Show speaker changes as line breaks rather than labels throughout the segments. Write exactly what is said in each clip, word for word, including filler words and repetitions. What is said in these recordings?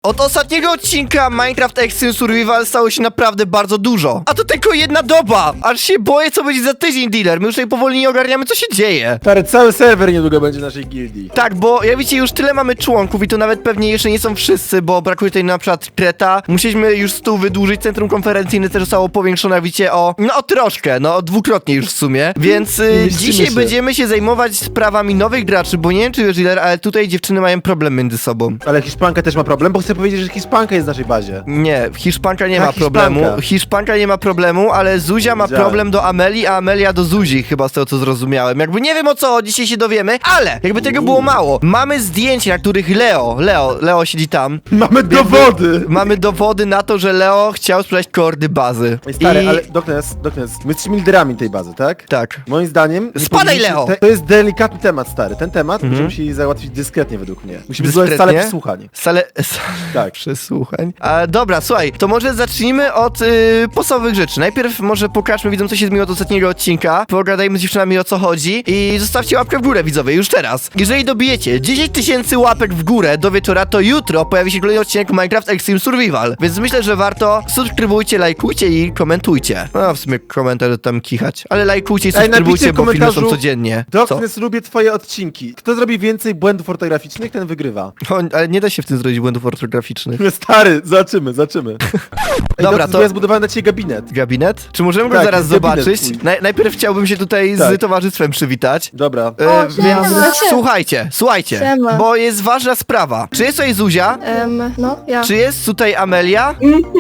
Od ostatniego odcinka Minecraft Extreme Survival stało się naprawdę bardzo dużo. A to tylko jedna doba! Aż się boję, co będzie za tydzień, dealer. My już tutaj powoli nie ogarniamy, co się dzieje.
Stary, cały serwer niedługo będzie naszej gildii.
Tak, bo jak widzicie, już tyle mamy członków i to nawet pewnie jeszcze nie są wszyscy, bo brakuje tutaj na przykład Kreta. Musieliśmy już stół wydłużyć, centrum konferencyjne też zostało powiększone, jak widzicie, o... No o troszkę, no dwukrotnie już w sumie. Więc y, dzisiaj
się.
będziemy się zajmować sprawami nowych graczy, bo nie wiem, czy wiesz, dealer, ale tutaj dziewczyny mają problem między sobą.
Ale Hiszpanka też ma problem, bo chcę powiedzieć, że Hiszpanka jest w naszej bazie.
Nie, Hiszpanka nie
Ta
ma problemu.
Hiszpanka.
Hiszpanka nie ma problemu, ale Zuzia ma
Widziałem.
problem do Ameli, a Amelia do Zuzi, chyba z tego co zrozumiałem. Jakby nie wiem o co, dzisiaj się dowiemy, ale jakby tego było mało. Mamy zdjęcia, na których Leo, Leo, Leo siedzi tam.
Mamy dowody!
Mamy dowody na to, że Leo chciał sprzedać kordy bazy.
Ej, stary,
I...
ale Doknes, Doknes, my jesteśmy liderami tej bazy, tak?
Tak.
Moim zdaniem... nie
Spadaj,
powinniśmy-
Leo!
Te, to jest delikatny temat, stary. Ten temat musimy musieli załatwić dyskretnie według mnie. Musimy zdobyć salę
Dyskretnie?
przesłuchań.
Salę...
Tak.
Przesłuchań. A, dobra, słuchaj, to może zacznijmy od y, podstawowych rzeczy. Najpierw może pokażmy widzom, co się zmieniło od ostatniego odcinka. Pogadajmy z dziewczynami, o co chodzi. I zostawcie łapkę w górę, widzowie, już teraz. Jeżeli dobijecie dziesięć tysięcy łapek w górę do wieczora, to jutro pojawi się kolejny odcinek Minecraft Extreme Survival. Więc myślę, że warto subskrybujcie, lajkujcie i komentujcie. No, w sumie komentarze tam kichać. Ale lajkujcie i
Ej, napiszcie
subskrybujcie,
w
bo filmy są
komentarzu,
codziennie. Co?
Doknes, lubię twoje odcinki. Kto zrobi więcej błędów ortograficznych, ten wygrywa.
O, ale nie da się w tym zrobić błędów ortograficznych.
Stary, zobaczymy, zobaczymy. Ej,
Dobra,
Doknes,
to-
bo ja zbudowałem na ciebie gabinet.
Gabinet? Czy możemy go
Tak,
zaraz
jest gabinet
zobaczyć?
twój.
Naj, najpierw chciałbym się tutaj
Tak.
z towarzystwem przywitać.
Dobra.
E,
O,
więc
siema.
słuchajcie, słuchajcie,
Siema.
bo jest ważna sprawa. Czy jest tutaj Zuzia?
Em, no, ja.
Czy jest tutaj Amelia?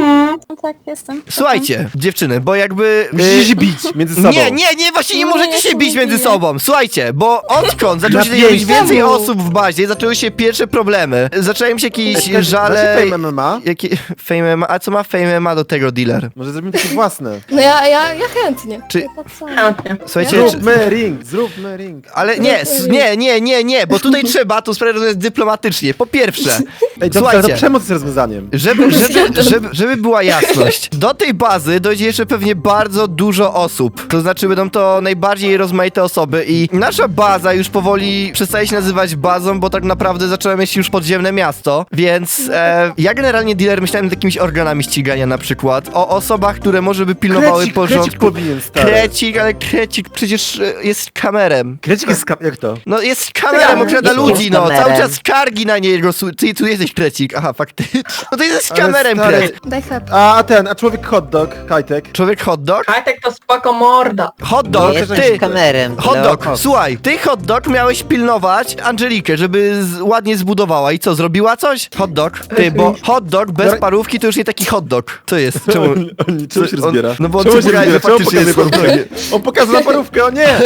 No tak, jestem.
Słuchajcie, dziewczyny, bo jakby... e,
Musicie się bić między sobą.
Nie, nie, nie, właśnie nie
Nie,
możecie
ja
się
się
bić
nie
między
biję.
sobą. Słuchajcie, bo odkąd zaczęło się
Na
pojawić
pięć.
więcej
Czemu?
osób w bazie, zaczęły się pierwsze problemy. Zaczęły się jakieś
Znaczy,
żale...
Fame M M A?
Jakie... Fame M M A? A co ma Fame M M A do tego, dealer?
Może zrobimy takie własne.
No ja, ja, ja chętnie.
Czy-
Ja tak samo.
Słuchajcie,
Ja-
czy...
Zróbmy ring, zróbmy ring.
Ale nie, s- nie, nie, nie, nie, bo tutaj trzeba tu sprawę rozwiązać dyplomatycznie. Po pierwsze,
Ej, to, to
słuchajcie,
przemoc jest rozwiązaniem.
żeby, żeby, żeby, żeby była jasność, do tej bazy dojdzie jeszcze pewnie bardzo dużo osób. To znaczy będą to najbardziej rozmaite osoby i nasza baza już powoli przestaje się nazywać bazą, bo tak naprawdę zaczęła mieć już podziemne miasto, więc e, ja generalnie, dealer, myślałem nad jakimiś organami ścigania na przykład, o osobach, które może by pilnowały
Krecik,
porządku.
krecik powinien, stary.
Krecik, ale Krecik przecież e, jest kamerem.
Krecik jest ska- jak to?
No jest kamerem,
Ja
okrada
jestem
ludzi, no,
kamerem.
cały czas skargi na niego, su- ty tu jesteś Krecik, aha, faktycznie. No to jesteś
Ale
kamerem,
stary-
Kret.
Daj chleb.
A, a ten, a człowiek hot dog, Kajtek.
Człowiek hot dog?
Kajtek to spoko morda.
Hot
No,
dog,
też
ty,
Jesteś kamerem.
hot
Leo.
dog, słuchaj, ty hot dog miałeś pilnować Angelikę, żeby z, ładnie zbudowała i co, zrobiła coś? Hot dog, ty, bo hot dog bez
Dobra.
parówki to już nie taki hot dog. Co jest? Czemu?
On, on, czemu się
on-
rozbiera?
no bo on
czemu
chce
się
pokazać,
rozbiera?
że
Czemu
faktycznie
pokazuje
jest
parówkę? On pokazał na parówkę, o nie!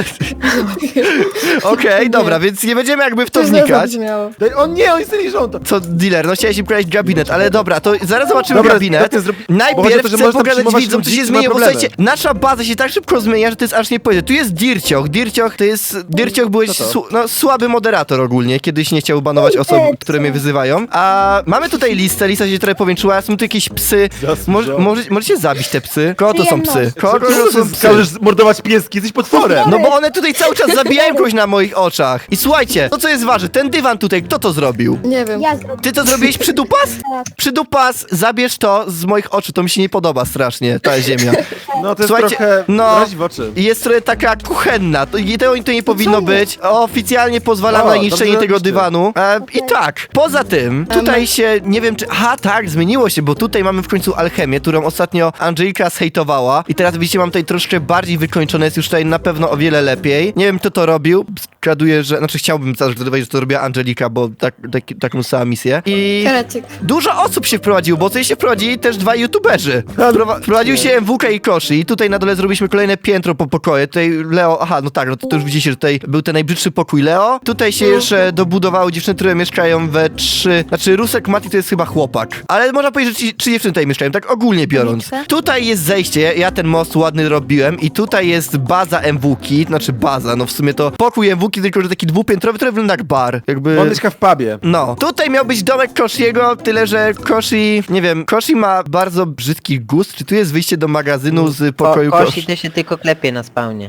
Okej, dobra, więc nie będziemy jakby w to
To źle
wnikać.
zabrzmiało.
Daj- O nie, on jest liżąta.
Co, dealer, no chciałeś im pokazać gabinet, ale dobra, to zaraz zobaczymy
Dobra,
gabinet.
tak nie zrobi- bo chodzi o
Najpierw
to, że
chcę
można
pokazać
przyjmować
widzom, co
ludzi,
się
którzy mają
zmienia, bo
problemy.
słuchajcie, nasza baza się tak szybko zmienia, że to jest aż nie powiedzieć. Tu jest Dircioch, Dircioch to jest, Dircioch byłeś
Co to?
su, no, słaby moderator ogólnie, kiedyś nie chciał banować osób, które mnie wyzywają, a mamy tutaj listę, lista się trochę powiększyła, są tu jakieś psy,
Jasne,
Może,
że-
może, możecie zabić te psy? Kogo to są psy? Kogo to
Czemu
są
ty
psy?
każesz mordować pieski? Jesteś potworem.
No bo one tutaj cały czas zabijają kogoś na moich oczach. I słuchajcie, to co jest ważne, ten dywan tutaj, kto to zrobił?
Nie wiem.
Ja zrobię.
Ty to zrobiłeś przydupas? Przydupas, zabierz to z moich oczu, to mi się nie podoba strasznie, ta ziemia.
No to jest
Słuchajcie,
trochę...
no-
razi w oczy.
I jest trochę taka kuchenna, to, i tego to nie powinno być. Oficjalnie pozwalam
O,
na niszczenie
dobrze
tego
robicie.
dywanu. E, I tak, poza tym, tutaj
Em.
się, nie wiem czy... Aha, tak, zmieniło się, bo tutaj mamy w końcu alchemię, którą ostatnio Angelika zhejtowała. I teraz widzicie, mam tutaj troszkę bardziej wykończone, jest już tutaj na pewno o wiele lepiej. Nie wiem, kto to robił. Zgaduję, że... Znaczy chciałbym zgadywać, że to robiła Angelika, bo tak, tak, taką samą misję. I...
Krecik.
Dużo osób się wprowadziło, bo tutaj się wprowadzili też dwa youtuberzy. Wprowa- wprowadził się M W K i Koszy i tutaj na dole zrobiliśmy kolejne piętro po pokoju. Tutaj Leo, aha, no tak, no to, to już widzicie, że tutaj był ten najbrzydszy pokój Leo. Tutaj się jeszcze dobudowały dziewczyny, które mieszkają we trzy... Znaczy Rusek Mati to jest chyba chłopak. Ale można powiedzieć, że trzy, trzy dziewczyny tutaj mieszkają, tak ogólnie biorąc.
Uliczkę?
Tutaj jest zejście, ja ten most ładny robiłem i tutaj jest baza M W K, znaczy baza, no w sumie to pokój M W K, tylko że taki dwupiętrowy, który wygląda jak bar. Jakby...
On mieszka w pubie.
No, tutaj miał być domek Koshiego, tyle że Koshi, nie wiem, Koshi ma bardzo brzydki gust. Czy tu jest wyjście do magazynu z pokoju
Ko
Koshi?
Kosi to się tylko klepie na spawnie.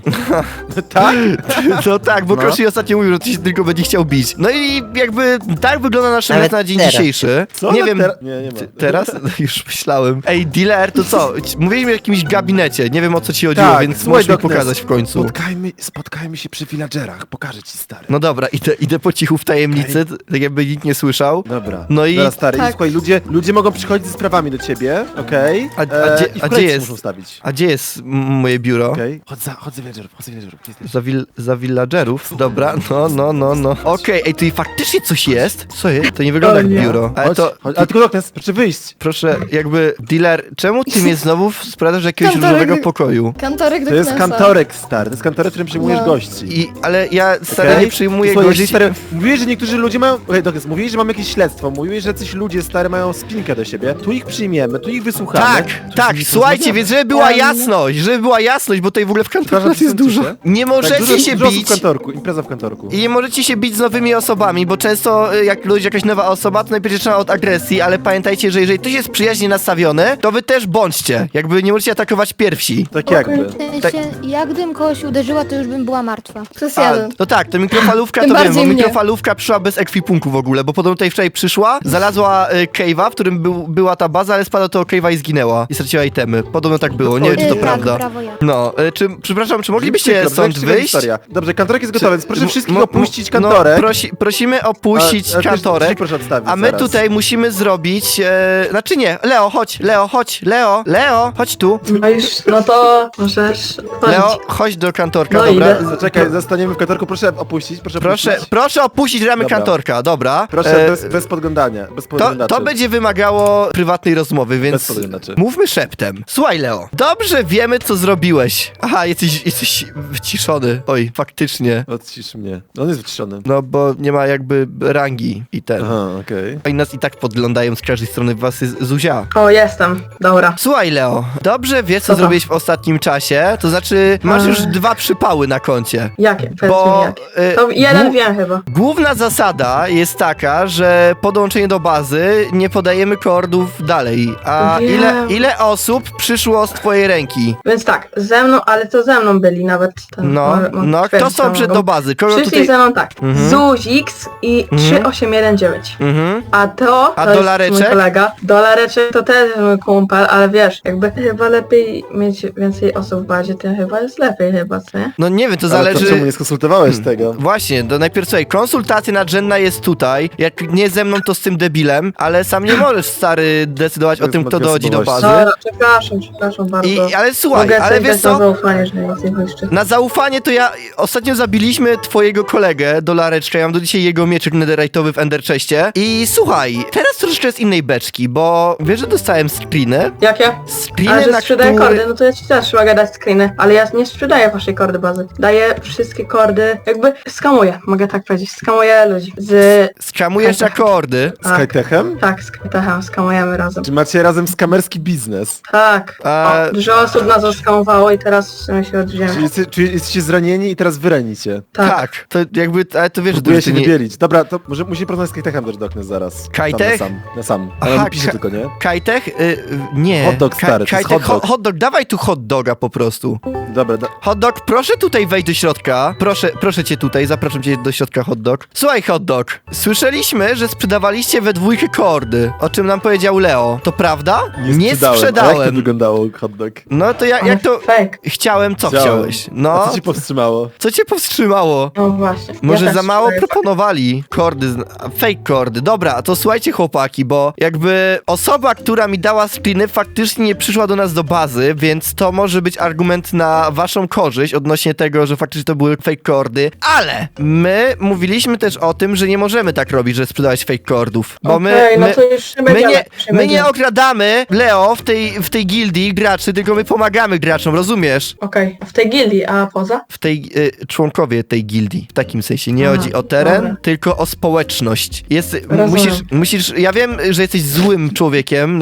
Tak?
No tak, bo
No.
Koshi ostatnio mówił, że to się tylko będzie chciał bić. No i jakby tak wygląda nasz
Nawet
mecz na dzień
teraz.
dzisiejszy.
Co?
Nie
No
wiem,
tera- nie, nie ma.
t- teraz? No, już myślałem. Ej, dealer, to co? Mówiliśmy o jakimś gabinecie, nie wiem o co ci chodziło,
Tak,
więc
słuchaj,
możesz mi
Doknes,
pokazać w końcu.
Spotkajmy, spotkajmy się przy villagerach, pokażę ci, stary.
No dobra, idę, idę po cichu w tajemnicy, tak jakby nikt nie słyszał.
Dobra.
No i-
Dobra, stary,
Tak.
i słuchaj, ludzie, ludzie mogą przychodzić ze sprawami do ciebie, okej?
A- a
E,
gdzie-
i w
a gdzie
kolejce
jest?
muszą stawić.
A gdzie jest m- moje biuro?
Okej? Chodź za, chodź za villagerów, chodź za villagerów. Gdzie jesteś?
Za, vil za villagerów? Dobra, no, no, no, no. Okej, ej, tu i faktycznie coś jest? Co jest? To nie wygląda
O
jak
nie.
biuro. Ale
Chodź,
to...
chodź, ale tylko Doknes, proszę wyjść.
Proszę, jakby, dealer, czemu ty mnie znowu sprawdzasz do jakiegoś
Kantorek-
różowego pokoju?
Kantorek do
To jest
Knesa.
kantorek, stary, to jest kantorek, w którym przyjmujesz
No.
gości.
I, ale ja stary
Okej?
nie przyjmuję
Słuchaj,
gości.
jeżeli, stary, mówiłeś, że niektórzy ludzie mają... Okej, Doknes, mówiłeś, że mamy jakieś śledztwo, mówiłeś, że jacyś ludzie, stary, mają spinkę do siebie. Tu ich przyjmiemy, tu ich wysłuchamy.
Tak,
tu
tak,
z nimi
słuchajcie,
porozmawiamy.
więc żeby była
Em.
jasność, żeby była jasność, bo tutaj w ogóle w kantorze
Przepraszam,
nas jest
przesuńcie
dużo.
się.
Nie
Tak,
możecie
dużo,
się
dużo osób
bić.
w kantorku, impreza w kantorku.
I nie możecie się bić z nowymi osobami, bo często y, jak ludzie jakaś nowa osoba, to najpierw zaczyna od agresji, ale pamiętajcie, że jeżeli ktoś jest przyjaźnie nastawiony, to wy też bądźcie. Jakby nie możecie atakować pierwsi.
Tak jakby.
W sensie, jak gdym kogoś uderzyła, to już bym była martwa.
Plus
A,
jeden.
no tak, to mikrofalówka
Tym
to wiem, bo
bardziej mnie.
mikrofalówka przyszła bez ekwipunku w ogóle, bo podobno tutaj wczoraj przyszła, znalazła y, cave'a, w którym był, była ta baza, ale spadła do cave'a i zginęła. I straciła itemy. Podobno tak było, nie wiem czy to
Yy,
prawda.
Tak, brawo ja.
No, y, czy, przepraszam, czy moglibyście
Przykro,
stąd
ciekawa
wyjść?
historia. Dobrze, kantorek jest gotowy, więc proszę
M-
wszystkich
m-
opuścić
no,
kantorek.
prosi, prosimy opuścić
A- a też-
kantorek.
też proszę odstawić
A my
zaraz.
tutaj musimy zrobić. E, znaczy nie, Leo, chodź, Leo, chodź, Leo, Leo, chodź tu.
No już, no to możesz
Leo,
chodzić.
chodź do kantorka,
No
dobra.
idę.
Zaczekaj, zostaniemy w kantorku, proszę opuścić, proszę
Proszę,
opuścić.
proszę opuścić ramy
Dobra.
kantorka, dobra.
Proszę,
E,
bez, bez podglądania, bez
to,
podglądaczy.
to będzie wymagało prywatnej rozmowy,
Bez
więc
podglądaczy.
mówmy szeptem. Słuchaj, Leo, dobrze wiemy, co zrobiłeś. Aha, jesteś, jesteś wyciszony. Oj, faktycznie.
Odcisz mnie. On jest wyciszony.
No, bo nie ma jakby rangi i ten.
Aha, okej.
Oni nas i tak podglądają z każdej strony, was jest Zuzia.
O, jestem. Dobra.
Słuchaj, Leo, dobrze wiesz, co
Co to?
zrobiłeś w ostatnim czasie, to znaczy masz
Eee.
już dwa przypały na koncie.
Jakie? Powiedz
Bo,
mi jakie.
y,
To jeden
głu-
wiem chyba.
Główna zasada jest taka, że po dołączeniu do bazy nie podajemy koordów dalej. A
Wiem.
ile, ile osób przyszło z twojej ręki?
Więc tak, ze mną, ale to ze mną byli nawet. Ten,
No,
może- może
no, kto
twierdzić,
są
że
przed
mogą.
do bazy? Kogo
Przyszli
tutaj...
ze mną tak,
Mhm.
Zuziks i trzy osiem jeden dziewięć.
Mhm.
A to,
A
to jest
dolareczek?
mój kolega. Dolareczek to też mój kumpel, ale wiesz, jakby chyba lepiej mieć więcej osób w bazie, tym chyba jest lepiej chyba, co nie?
No nie wiem, to
Ale
zależy...
to czemu nie skonsultowałeś tego?
Właśnie, to najpierw słuchaj, konsultacja nadrzędna jest tutaj, jak nie ze mną, to z tym debilem, ale sam nie możesz, stary, decydować o
To
tym,
jest
kto dochodzi do
osobowość.
bazy.
Dobra, przepraszam, przepraszam bardzo.
I, ale słuchaj,
Mogę
ale
sobie
wiesz
dać na
co?
zaufanie, że nic nie błyszczy.
Na zaufanie to ja ostatnio zabiliśmy twojego kolegę, Dolareczka, ja mam do dzisiaj jego mieczyk netherite'owy w Ender Chestie. I słuchaj, teraz troszeczkę z innej beczki, bo wiesz, że dostałem screeny?
Jakie?
Screeny,
Ale że
na
sprzedaję
które...
kordy, no to ja ci też mogę dać screeny, ale ja nie sprzedaję waszej kordy bazy. Daję wszystkie kordy, jakby skamuję, mogę tak powiedzieć, skamuję ludzi. Z...
Skamujesz na kordy.
Z Kajtechem?
Tak, z Kajtechem skamujemy razem.
Czy macie razem skamerski biznes?
Tak.
A-
O, dużo osób nas oskamowało i teraz w sumie się
Czy,
odżyjemy.
jeste, czy jesteście zranieni i teraz wyranicie?
Tak.
Tak, to jakby, ale to wiesz, że
Próbuję
to
się
nie...
wybielić. Dobra, to może musi porozmawiać z Kajtechem też Doknes zaraz.
Kajtech?
Sam, na sam. Na sam.
Aha,
Ale on pisze
Ka-
tylko, nie?
Kajtech? Y, y, nie.
Hot dog, stary, to jest
Kajtech,
hot dog.
ho- hot dog, dawaj tu hot doga po prostu.
Dobra, da,
Hot dog, proszę tutaj wejść do środka. Proszę, proszę cię tutaj, zapraszam cię do środka, hot dog. Słuchaj, hot dog, słyszeliśmy, że sprzedawaliście we dwójkę kordy, o czym nam powiedział Leo. To prawda?
nie, sprzedałem. A jak to wyglądało, hot dog?
No to ja, jak to...
Fake.
Chciałem, co
Chciałem.
chciałeś?
A
No,
co ci powstrzymało?
co cię powstrzymało?
No właśnie.
Może
Ja
za
też
mało
sprzedaję
proponowali kordy, z- a, fake kordy. Dobra, to słuchajcie chłopaki, bo jakby osoba, która mi dała screeny, faktycznie nie przyszła do nas do bazy, więc to może być argument na waszą korzyść odnośnie tego, że faktycznie to były fake kordy, ale my mówiliśmy też o tym, że nie możemy tak robić, że sprzedawać fake kordów, bo my,
Okej, no
my,
to już nie
my,
będziemy,
nie,
już nie
my nie
będziemy.
okradamy, Leo, w tej, w tej gildii graczy, tylko my pomagamy graczom, rozumiesz?
Okej, w tej gildii, a poza?
W tej, y, członkowie tej gildii, w takim sensie. Nie
Aha,
chodzi o teren,
dobra.
tylko o społeczność. Jest,
Rozumiem.
musisz, musisz, ja wiem, że jesteś złym człowiekiem na serwerze,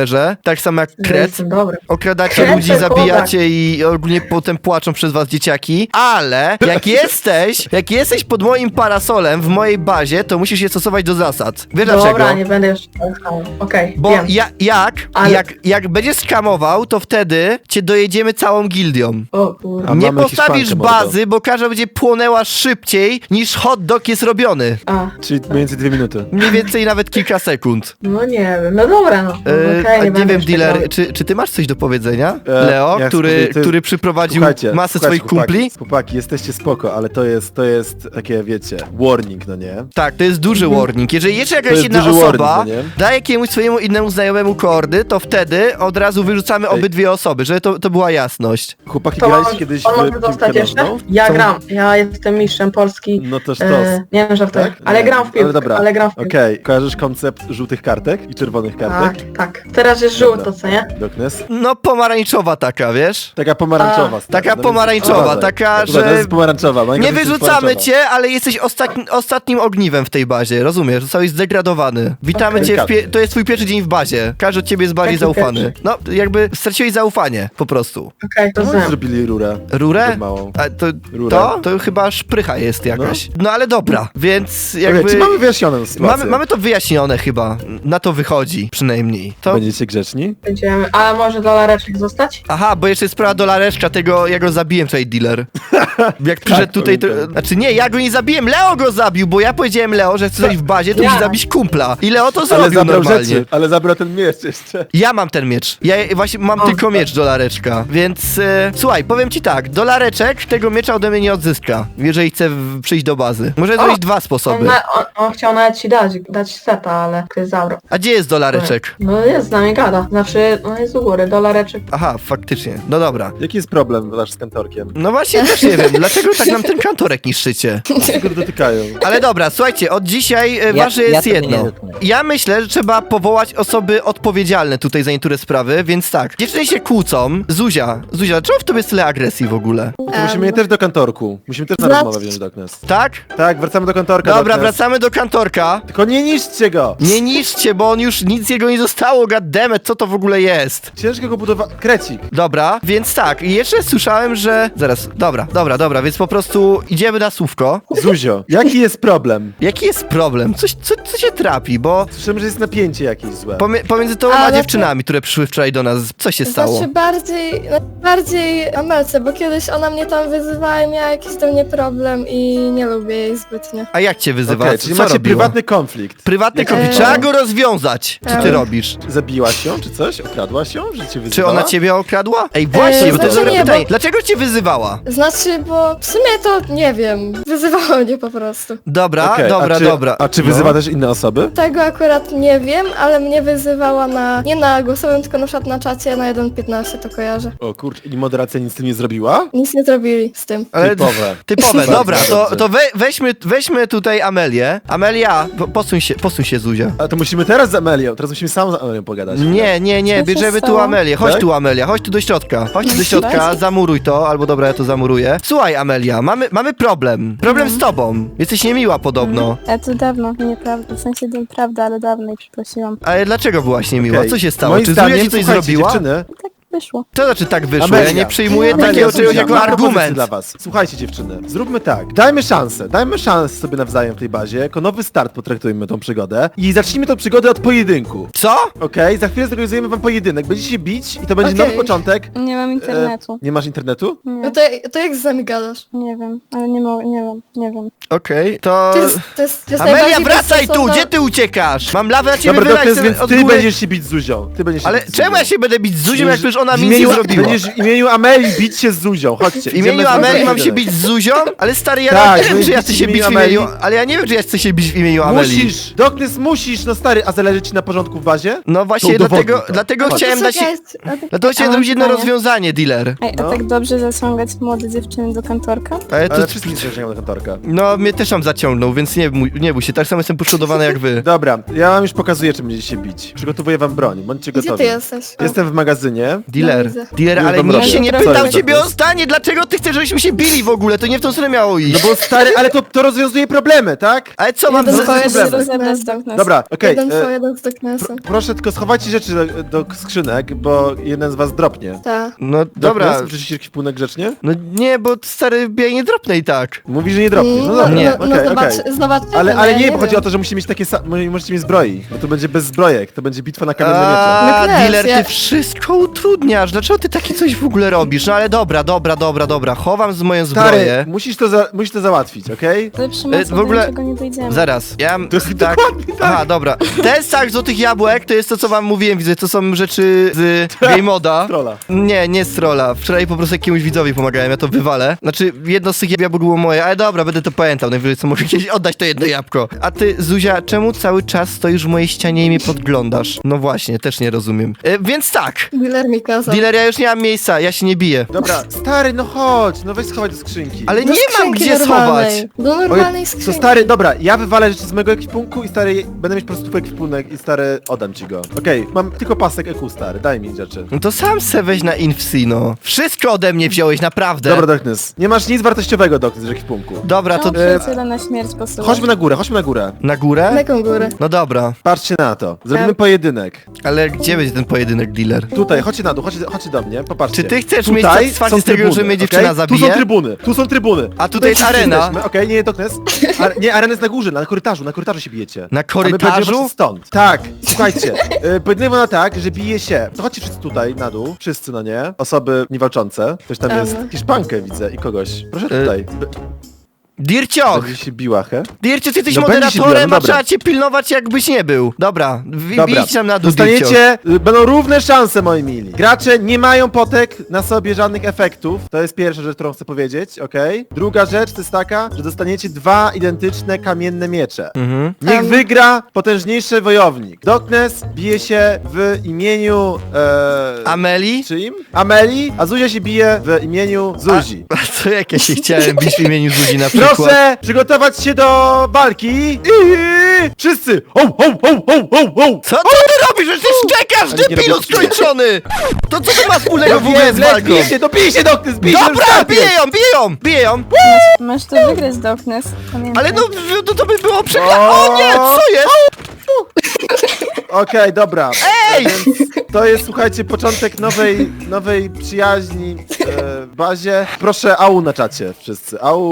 szczerze. Tak samo jak
Ja
kret.
jestem dobry.
Okradacie
Kret
ludzi,
to
zabijacie i ogólnie potem płaczą przez was dzieciaki. Ale jak jesteś, jak jesteś pod moim parasolem w mojej bazie, to musisz je stosować do zasad. Wiesz dlaczego?
Dobra, nie będę już... Okej,
Bo
wiem.
ja, jak,
Ale-
jak, jak będziesz skamował, to wtedy cię dojedziemy całą gildią.
O kurde.
A
Nie
mamy
postawisz
Hiszpankę, mordo.
bazy, bo każda będzie płonęła szybciej niż hot dog jest robiony.
A,
Czyli mniej więcej dwie minuty.
Mniej więcej nawet kilka sekund.
no nie wiem, no dobra, no.
E,
Okej,
a nie
będę
wiem,
już tak
dealer,
robił.
czy, czy ty masz coś do powiedzenia?
E,
Leo,
ja
który,
chcę- ty-
który przyprowadził
Słuchajcie,
masę
słuchajcie,
swoich
chłopaki,
kumpli?
Chłopaki, jesteście spoko, ale to jest, to jest takie, wiecie, warning, no nie?
Tak, to jest duży warning. Jeżeli jeszcze jakaś
jest
jedna
duży
osoba
warning, no nie?
daje jakiemuś swojemu innemu znajomemu kordy, to wtedy od razu wyrzucamy
Ej.
obydwie osoby, żeby to, to była jasność.
Chłopaki,
To
graliście
on,
kiedyś
on
w
może
piłkę
dostać jeszcze?
nożną?
Ja
Co?
gram, ja jestem mistrzem Polski.
No to sztos.
E, nie wiem, żartuję,
Tak?
ale
Nie,
gram w piłkę,
ale dobra.
ale gram w piłkę.
Okej, kojarzysz koncept żółtych kartek i czerwonych
Tak,
kartek?
tak. Teraz jest
Dobra.
żółto, co nie?
Doknes?
No pomarańczowa taka, wiesz?
Taka pomarańczowa.
A,
stary,
taka
no więc
pomarańczowa,
uważaj.
taka,
Uważaj,
że
To jest pomarańczowa. moja
Nie
gra jest
wyrzucamy
pomarańczowa.
cię, ale jesteś ostatni, ostatnim ogniwem w tej bazie, rozumiesz? Zostałeś zdegradowany. Witamy
Okej.
cię, w pie- to jest twój pierwszy dzień w bazie. Każdy od ciebie jest bardziej
Jaki
zaufany. No, jakby straciłeś zaufanie, po prostu.
Okej, to
No,
znam.
zrobili rurę.
Rurę?
Zbyt małą.
A to,
Rurę.
to? To chyba szprycha jest jakaś. No ale dobra, więc jakby...
Okej, czy mamy wyjaśnioną sytuację?
mamy, mamy to wyjaśnione chyba. Na to wychodzi przynajmniej. To...
Będziecie grzeczni?
Będziemy... A może dolareczek zostać?
Aha, bo jeszcze jest sprawa dolareczka tego, ja go zabiłem tutaj, dealer. Jak przyszedł tutaj, to...
pamiętam.
Znaczy nie, ja go nie zabiłem, Leo go zabił, bo ja powiedziałem Leo, że chcę coś w bazie, to
Ja.
musi zabić kumpla. I Leo to
Ale
zrobił
zabrał
normalnie.
rzeczy, ale zabrał ten miecz jeszcze.
Ja mam ten miecz. Ja właśnie mam
O,
tylko
super.
miecz dolareczka, więc e, słuchaj, powiem ci tak, dolareczek tego miecza ode mnie nie odzyska, jeżeli chce w, przyjść do bazy. Może zrobić dwa
On,
sposoby.
na, on, on chciał nawet ci dać, dać seta, ale ktoś zabrał.
A gdzie jest dolareczek?
No jest, z nami gada. Znaczy, no jest u góry, dolareczek.
Aha, faktycznie. No dobra.
Jaki jest problem wasz z kantorkiem?
No właśnie też nie wiem, dlaczego tak nam ten kantorek niszczycie.
Czego dotykają?
Ale dobra, słuchajcie, od dzisiaj e,
Ja-
ważne
ja
jest
tego nie
jedno.
dotknę.
Ja myślę, że trzeba powołać osoby odpowiedzialne tutaj za niektóre sprawy, więc tak. Dziewczyny się kłócą. Zuzia, Zuzia, dlaczego w tobie jest tyle agresji w ogóle?
To musimy je też do kantorku. Musimy też na
Znaczy-
rozmowę wziąć Doknes.
Tak?
Tak, wracamy do kantorka.
Dobra,
Doknes.
wracamy do kantorka.
Tylko nie niszczcie go!
Nie niszczcie, bo on już nic jego nie zostało, goddammit, co to w ogóle jest?
Ciężko go budować. Krecik.
Dobra, więc tak, i jeszcze słyszałem, że... Zaraz, dobra, dobra, dobra, więc po prostu idziemy na słówko.
Zuzio, jaki jest problem?
Jaki jest problem? Coś, co, co się trapi, bo
Słyszymy, że jest napięcie jakieś złe.
pomie- pomiędzy tobą a
Ale to-
dziewczynami, które przyszły wczoraj do nas, co się stało?
Znaczy bardziej, no, bardziej Amelce, bo kiedyś ona mnie tam wyzywała i miała jakiś do mnie problem i nie lubię jej zbytnio.
A jak cię wyzywa?
Okej,
Co-
czyli
co
macie
robiła?
prywatny konflikt.
Prywatny konflikt.
Eee.
Trzeba go rozwiązać. Co ty
Eee.
robisz?
Zabiłaś ją, czy coś? Okradłaś ją, że cię wyzywała?
Czy ona ciebie okradła? Ej, właśnie,
Eee,
bo to jest
znaczy
dobre
nie,
pytanie.
bo-
Dlaczego cię wyzywała?
Znaczy, bo w sumie to nie wiem, wyzywała mnie po prostu.
Dobra,
Okej,
dobra,
a czy,
dobra.
A czy
No.
wyzywa też inne osoby?
Tego akurat nie wiem, ale mnie wyzywała na, nie na głosowym, tylko na przykład na czacie na jeden piętnaście, to kojarzę.
O kurczę, i moderacja nic z tym nie zrobiła?
Nic nie zrobili z tym.
Ale-
Typowe.
Typowe,
Bardzo
dobra, to,
dobrze.
to we, weźmy, weźmy tutaj Amelię. Amelia, po- posuń się, posuń się, Zuzia.
A to musimy teraz z Amelią, teraz musimy sam z Amelią pogadać.
Nie, nie, nie,
Co się
bierzemy tu
stało?
Amelię. Chodź
Tak?
tu, Amelia, chodź tu do środka. Chodź tu do środka, zamuruj to, albo dobra, ja to zamuruję. Słuchaj, Amelia, mamy, mamy problem. Problem z tobą. Jesteś niemiła podobno.
Ja to dawno, nieprawda, w sensie to prawda, ale dawno i przeprosiłam.
Ale dlaczego byłaś niemiła?
Okej.
Co się stało?
Moim
Czy Zuzia
zdaniem,
ci coś
słuchajcie,
zrobiła?
Dziewczyny,
Tak wyszło.
To znaczy tak wyszło,
Amelia.
ja nie przyjmuję
Amelia,
takiego czegoś
Zuzia,
jako
mam propozycję
argument.
dla was. Słuchajcie dziewczyny, zróbmy tak. Dajmy szansę, dajmy szansę sobie nawzajem w tej bazie. Jako nowy start potraktujmy tą przygodę. I zacznijmy tą przygodę od pojedynku.
Co?
Okej, za chwilę zorganizujemy wam pojedynek. Będziecie się bić i to będzie
Okej.
nowy początek.
Nie mam internetu.
E, nie masz internetu?
No
Nie,
to, to jak z nami gadasz?
nie wiem, ale nie mogę, nie wiem, nie wiem.
Okej, to...
To jest, to jest, to jest
Amelia,
najbardziej
wracaj tu!
bezsensowna-
Gdzie ty uciekasz? Mam lawę na ciebie
Dobra,
wylać
Doknes,
sobie
więc
od
ty
góry.
będziesz się bić z Zuzią. Ty będziesz się
Ale
bić z
czemu ja
Zuzią.
się będę bić z Zuzią, jak przecież ona
W
mi nic nie
imieniu-
zrobiła?
Będziesz w imieniu Ameli bić się z Zuzią. Chodźcie.
W imieniu
idziemy z
Ameli
Zuzią.
mam się bić z Zuzią? Ale stary, ja
Tak,
nawet nie wiem,
będziesz
czy ja
bić
chcę
w
się bić w
imieniu
imieniu...
Ameli.
Ale ja nie wiem, czy ja chcę się bić w imieniu Ameli.
Musisz! Doknes musisz! No stary, a zależy ci na porządku w bazie?
No właśnie,
To udowodnij
dlatego,
to.
dlatego
Chodź.
chciałem dać...
Czekaj, a ty-
Dlatego
A
chciałem
mam
zrobić jedno
pytanie.
rozwiązanie, dealer.
Ej, a
No.
tak dobrze zaciągać młode dziewczyny do kantorka?
Ale to...
Ale wszystkich zaczynamy do kantorka.
No, mnie też tam zaciągnął, więc nie, bój- nie bój się, tak samo jestem poszkodowany jak wy.
Dobra, ja wam już pokazuję, czym będziecie się bić. Przygotowuję wam broń, bądźcie
Gdzie
gotowi.
ty jesteś?
Jestem w magazynie
Dealer,
widzę.
dealer,
Już
ale
wam
nikt
robię.
się nie
Co
pytał
jest?
ciebie o zdanie, dlaczego ty chcesz, żebyśmy się bili w ogóle, to nie w tą stronę miało iść.
No bo stary, ale to, to rozwiązuje problemy, tak?
Ale co mam
Jeden
z...
twoje,
problemy.
jeden
Rozebrać
z
Darkness.
Dobra, okej.
Jeden
e,
twoje, jeden z Darknessa.
pro, proszę tylko schowajcie rzeczy do, do skrzynek, bo jeden z was dropnie.
Tak.
No dobra,
Darkness, wrzucicie jakiś punek grzecznie?
no nie, bo stary ja nie dropnę i tak.
Mówi, że nie dropnie. No dobra,
nie.
no,
okej,
no zobacz,
okej.
zobaczymy,
Ale,
no
ale
ja
nie, bo chodzi
wiem.
o to, że musi mieć takie sa- mo- możecie mieć zbroi, bo to będzie bez zbrojek, to będzie bitwa na kamienne miecze.
A,
No wiesz,
dealer, ty
ja-
wszystko utrudniasz. Dlaczego ty takie coś w ogóle robisz? No ale dobra, dobra, dobra, dobra. Chowam z moją
Stary,
zbroję.
musisz to, za, musisz to załatwić, okej?
Ale przy
E,
mocy
w
do
ogóle-
niczego nie dojdziemy.
Zaraz, ja mam
To-
tak...
dokładnie tak.
Aha, dobra. Ten sak złotych jabłek to jest to, co wam mówiłem, widzę, to są rzeczy z Game Moda.
Trolla.
Nie, nie z trolla. Wczoraj po prostu jakiemuś widzowi pomagałem, ja to wywalę. Znaczy, jedno z tych jabłek było moje, ale dobra, będę to pamiętał. Najwyżej co mogę kiedyś oddać to jedno jabłko. A ty, Zuzia, czemu cały czas stoisz w mojej ścianie i mnie podglądasz? No właśnie, też nie rozumiem. E, więc tak.
Dealer mi kazał.
Dealer, ja już nie mam miejsca, ja się nie biję.
Dobra, stary, no chodź, no weź schowaj do skrzynki.
Ale
Do
nie mam
skrzynki
gdzie
normalnej.
schować.
Do
Oj,
normalnej
to
skrzynki.
stary, dobra, ja wywalę rzeczy z mojego ekwipunku i stary, będę mieć po prostu twój ekwipunek i stary, oddam ci go. Okej, mam tylko pasek E Q, stary, daj mi rzeczy.
No to sam se weź na Infsino. Wszystko ode mnie wziąłeś, naprawdę.
Dobra, Darkness, nie masz nic wartościowego, Darkness, z ekwipunku.
Dobra, to
Czemu przyjaciela na śmierć posyła?
Chodźmy na górę, chodźmy na górę.
na górę?
Na jaką górę?
No dobra,
Patrzcie na to. Zrobimy
Ja-
pojedynek.
ale gdzie będzie ten pojedynek, dealer?
Tutaj, chodźcie na dół, chodźcie, chodźcie do mnie, popatrzcie.
Czy ty chcesz
Tutaj
mieć satysfakcję
są
z tego,
trybuny,
że mnie
okej?
dziewczyna
Tu
zabije?
są trybuny, tu są trybuny.
A tutaj jest
wszyscy
arena.
jesteśmy. Okej, nie, Darkness. Ar nie, arena jest na górze, na korytarzu, na korytarzu się bijecie.
Na
A my
korytarzu?
będziemy patrzeć stąd. Tak, słuchajcie. y, Pojedynek wygląda tak, że bije się. To chodźcie wszyscy tutaj, na dół. Wszyscy, no nie? Osoby niewalczące. Ktoś tam
Dobra.
jest. Hiszpankę widzę i kogoś. Proszę
Y,
tutaj. B-
Dircioch!
Będzie się biła, he?
Dircio, ty jesteś
No będzie się
moderatorem,
biła, no
a
dobra.
trzeba cię pilnować jakbyś nie był. Dobra, w-
Dobra.
idź nam na dół, Dircio.
Dostaniecie, y, będą równe szanse, moi mili. Gracze nie mają potek na sobie żadnych efektów. To jest pierwsza rzecz, którą chcę powiedzieć, okej? Druga rzecz to jest taka, że dostaniecie dwa identyczne kamienne miecze.
Mhm.
Niech
Tam-
wygra potężniejszy wojownik. Darkness bije się w imieniu... E...
Ameli?
Czyim? Ameli, a Zuzia się bije w imieniu Zuzi.
A co jak ja się chciałem bić w imieniu Zuzi na przykład?
Proszę przygotować się do walki i wszyscy! Ho, ho, ho, ho, ho, ho!
Co, co ty robisz? Że ty szczekasz,
Ale nie
debilu
robię-
skończony! To co to ma wspólnego
Ja
w ogóle
wiem,
z
lec,
walką?
bij się, dopij się, Darkness, bij się,
Dobra,
już
biję
startuj.
ją, biję ją, biję ją!
Masz to wygrać, Darkness. Pamiętaj.
Ale no, no to by było przekla... O nie, co jest?
Okej, dobra.
Ej!
Więc to jest, słuchajcie, początek nowej, nowej przyjaźni e, w bazie. Proszę, au na czacie wszyscy. Au.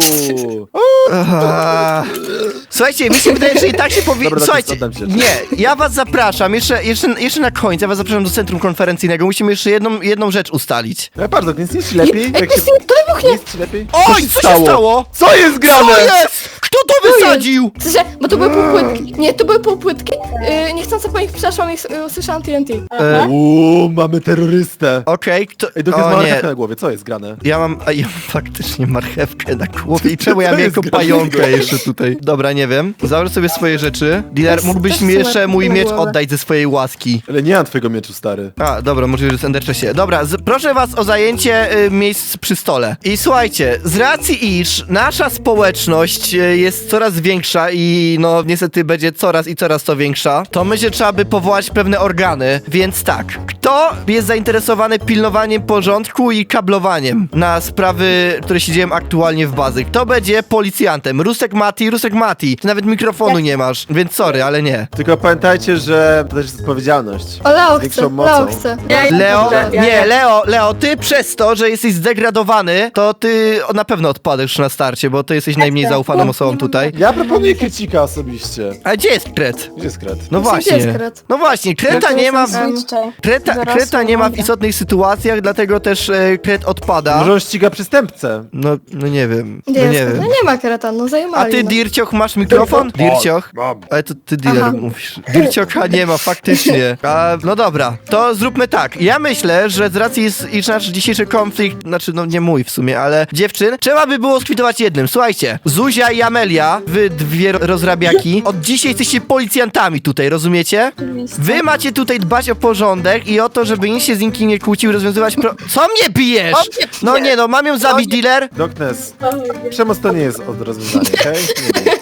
Aha. Słuchajcie, mi się wydaje, że i tak się powinno...
Dobra,
Słuchajcie,
oddam ci.
nie, ja was zapraszam, jeszcze, jeszcze, jeszcze na końcu, ja was zapraszam do centrum konferencyjnego, musimy jeszcze jedną, jedną rzecz ustalić.
No bardzo, więc nie jest ci lepiej? Jak się...
To wybuchnie!
Nie jest ci lepiej?
Oj, co się stało?
Co jest grane?
Co jest? Kto to wysadził?
W sensie, bo to były półpłytki. Nie, to były półpłytki. Yy, niechcąco po nich przeszłam i s- y, usłyszałam T N T.
E,
Uuu, mamy terrorystę.
Okej, kto...
Ej, Darkness ma
O nie,
marchewkę na głowie, co jest grane?
ja mam, a ja mam faktycznie marchewkę na głowie i czemu ja
Co
mam
jest
jako
grane?
pająka jeszcze tutaj? Dobra, nie wiem. Założę sobie swoje rzeczy. Dealer,
Też-
mógłbyś
też
mi
sobie
jeszcze mój
na
miecz
głowę.
oddać ze swojej łaski.
Ale nie mam twojego mieczu, stary.
A, dobra, możliwe, że jest Enderczesie. Dobra, z, proszę was o zajęcie y, miejsc przy stole. I słuchajcie, z racji iż nasza społeczność y, jest coraz większa i no niestety będzie coraz i coraz to większa, to myślę, że trzeba by powołać pewne organy, więc tak. Kto jest zainteresowany pilnowaniem porządku i kablowaniem na sprawy, które się dzieją aktualnie w bazy? Kto będzie policjantem? Rusek Mati, Rusek Mati. Ty nawet mikrofonu nie masz, więc sorry, ale nie.
Tylko pamiętajcie, że to też jest odpowiedzialność.
O, Leo
Z większą
chce,
mocą.
Leo chce.
Ja-
Leo,
Dobrze, ja-
nie,
ja-
Leo, Leo, ty przez to, że jesteś zdegradowany, to ty na pewno odpadasz na starcie, bo ty jesteś najmniej zaufaną osobą tutaj.
Ja proponuję Krycika osobiście.
A gdzie jest Kret?
Gdzie jest Kret?
No
Gdzie
właśnie.
jest Kret?
No właśnie, Kreta nie ma w...
Switchaj.
Kreta,
Dorosły,
Kreta nie ma w
mądry.
istotnych sytuacjach, dlatego też e, Kret odpada.
Może on ściga przestępcę.
No, no nie wiem,
Gdzie
no nie
jest? No
wiem.
nie ma kreta, no
A
zajmowali.
ty,
no.
Dircioch, masz mikrofon? Dircioch?
Mam.
Ale to ty dealer
Aha.
mówisz. Dirciocha nie ma, faktycznie. A, no dobra, to zróbmy tak. Ja myślę, że z racji, is- iż nasz dzisiejszy konflikt, znaczy no nie mój w sumie, ale dziewczyn, trzeba by było skwitować jednym. Słuchajcie, Zuzia i Amelia, wy dwie ro- rozrabiaki, od dzisiaj jesteście policjantami tutaj, rozumiecie?
Oczywiście.
Wy macie tutaj dbać o porządek i o to, żeby nikt się z nikim nie kłócił, rozwiązywać pro... Co mnie bijesz? No nie no, mam ją zabić, dealer?
Darkness. Przemoc to nie jest od rozwiązania, okej? Nie wiem.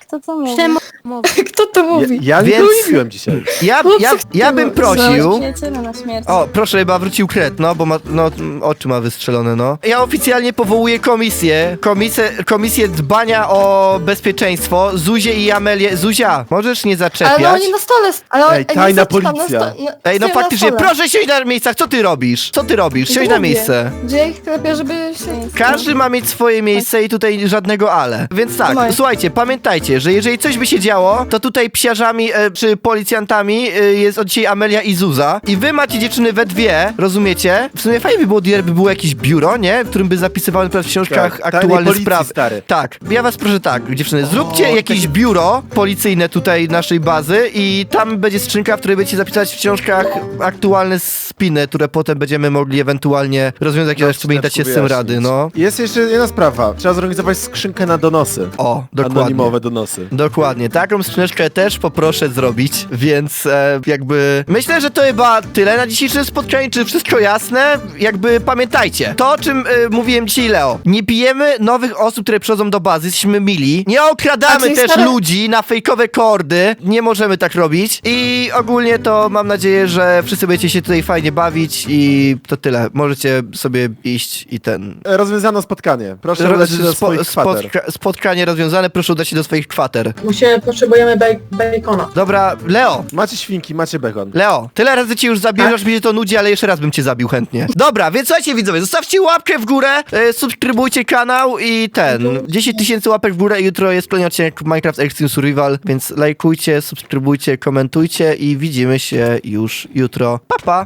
Kto to mówi?
Przemowa.
Kto to
Ja,
mówi?
ja nic
Więc-
nie mówiłem dzisiaj.
Ja, ja, ja bym prosił...
Przyjaciele na śmierć.
O, proszę, chyba wrócił kret, no, bo ma, no, m, oczy ma wystrzelone, no. Ja oficjalnie powołuję komisję, komisję, komisję dbania o bezpieczeństwo, Zuzię i Amelię. Zuzia, możesz nie
Ale no
zaczepiać?
oni na stole... s- Ale
Ej,
oni
tajna
są tam
policja.
Na sto... na...
Ej, no
stoją na
faktycznie,
stole.
proszę siąść na miejscach, co ty robisz? Co ty robisz? Siądź na
Mówię,
miejsce.
Że ja ich klepię, żeby się...
Każdy ma mieć swoje miejsce i tutaj żadnego ale. Więc tak,
Moje.
słuchajcie, pamiętajcie, że jeżeli coś by się działo, to tutaj psiarzami e, czy policjantami e, jest od dzisiaj Amelia i Zuza. I wy macie dziewczyny we dwie, rozumiecie? W sumie fajnie by było, by było jakieś biuro, nie? W którym by zapisywały na przykład w książkach
Tak, tajnej
aktualne
policji,
sprawy.
stary.
Tak, ja was proszę tak, dziewczyny, zróbcie
O,
jakieś
takie-
biuro policyjne tutaj naszej bazy i tam będzie skrzynka, w której będziecie zapisać w książkach aktualne spiny, które potem będziemy mogli ewentualnie rozwiązać, jak sobie nie dacie z tym
wyjaśnić.
rady, no.
Jest jeszcze jedna sprawa. Trzeba zorganizować skrzynkę na donosy.
O, dokładnie.
Anonimowe donosy.
Dokładnie, taką skrzyneczkę też poproszę zrobić, więc e, jakby myślę, że to chyba tyle na dzisiejszym spotkaniu, czy wszystko jasne? Jakby pamiętajcie, to o czym e, mówiłem dzisiaj Leo, nie pijemy nowych osób, które przychodzą do bazy, jesteśmy mili, nie
A,
okradamy
czyli
też
stare-
ludzi na fejkowe kordy, nie możemy tak robić i ogólnie to mam nadzieję, że wszyscy będziecie się tutaj fajnie bawić i to tyle, możecie sobie iść i ten...
E, Rozwiązano spotkanie. Proszę udać się do
Spo,
swoich kwater.
spotka, spotkanie rozwiązane, proszę udać się do swoich kwater.
Musimy, potrzebujemy bej- bacona.
Dobra, Leo,
Macie świnki, macie bekon.
Leo, tyle razy cię już zabiłem, aż mi się to nudzi, ale jeszcze raz bym cię zabił chętnie. Dobra, więc słuchajcie widzowie, zostawcie łapkę w górę, e, subskrybujcie kanał i ten, dziesięć tysięcy łapek w górę i jutro jest kolejny odcinek Minecraft Extreme Survival, więc lajkujcie, subskrybujcie, komentujcie i widzimy się już jutro. Pa, pa!